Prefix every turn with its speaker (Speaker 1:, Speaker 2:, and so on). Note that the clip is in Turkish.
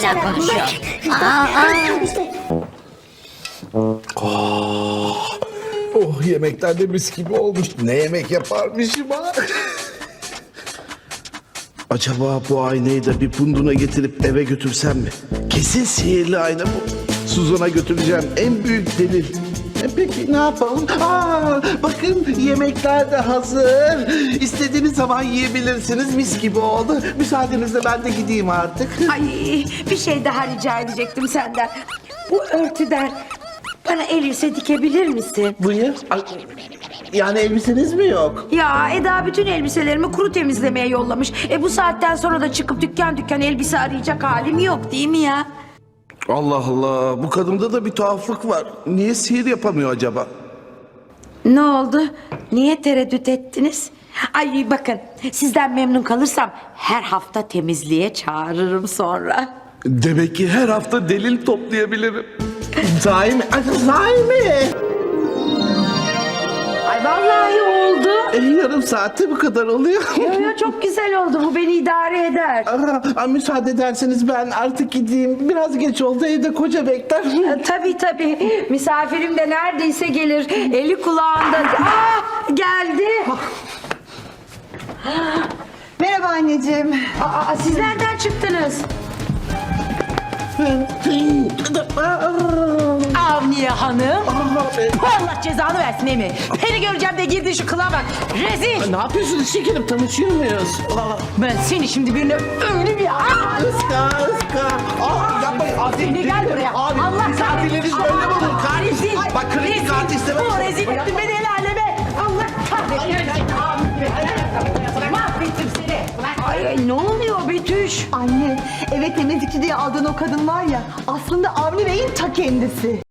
Speaker 1: hala konuşuyor.
Speaker 2: Oh, yemekler de mis gibi olmuş. Ne yemek yaparmışım ha? Acaba bu aynayı da bir punduna getirip eve götürsem mi? Kesin sihirli ayna bu. Suzan'a götüreceğim, en büyük delil. Peki ne yapalım? Bakın yemekler de hazır. İstediğiniz zaman yiyebilirsiniz. Mis gibi oldu. Müsaadenizle ben de gideyim artık.
Speaker 3: Ay, bir şey daha rica edecektim senden. Bu örtüden bana elbise dikebilir misin?
Speaker 2: Buyur. Yani elbiseniz mi yok?
Speaker 3: Ya Eda bütün elbiselerimi kuru temizlemeye yollamış. Bu saatten sonra da çıkıp dükkan dükkan elbise arayacak halim yok değil mi ya?
Speaker 2: Allah Allah, bu kadında da bir tuhaflık var. Niye sihir yapamıyor acaba?
Speaker 3: Ne oldu? Niye tereddüt ettiniz? Ay bakın, sizden memnun kalırsam her hafta temizliğe çağırırım sonra.
Speaker 2: Demek ki her hafta delil toplayabilirim. Sahi mi? Sahi mi?
Speaker 3: Ay vallahi oldu.
Speaker 2: Yarım saatte bu kadar oluyor.
Speaker 3: Yo, çok güzel oldu, bu beni idare eder.
Speaker 2: Müsaade ederseniz ben artık gideyim. Biraz geç oldu, evde koca bekler.
Speaker 3: Tabii, misafirim de neredeyse gelir. Eli kulağında. Geldi.
Speaker 4: Merhaba anneciğim.
Speaker 3: Siz nereden çıktınız?
Speaker 5: Avniye Hanım. Allah cezanı versin Emi. Beni göreceğim de girdin şu kılığa bak. Rezil.
Speaker 2: Ne yapıyorsunuz şekerim, tanışıyor muyuz?
Speaker 5: Ben seni şimdi birine öyle bir...
Speaker 2: Iska. Yapmayın.
Speaker 5: Seni gel buraya.
Speaker 2: Abi,
Speaker 5: Allah
Speaker 2: misafirleriniz böyle mi olur?
Speaker 5: Rezil.
Speaker 2: Bak kredi kartı istemem.
Speaker 5: Bu rezil ettin beni el aleme. Allah kahretsin. Mahvettim seni.
Speaker 3: Ay, ne oluyor Betüş?
Speaker 4: Anne, eve temizlikçi diye aldığın o kadın var ya, aslında Avni Bey'in ta kendisi.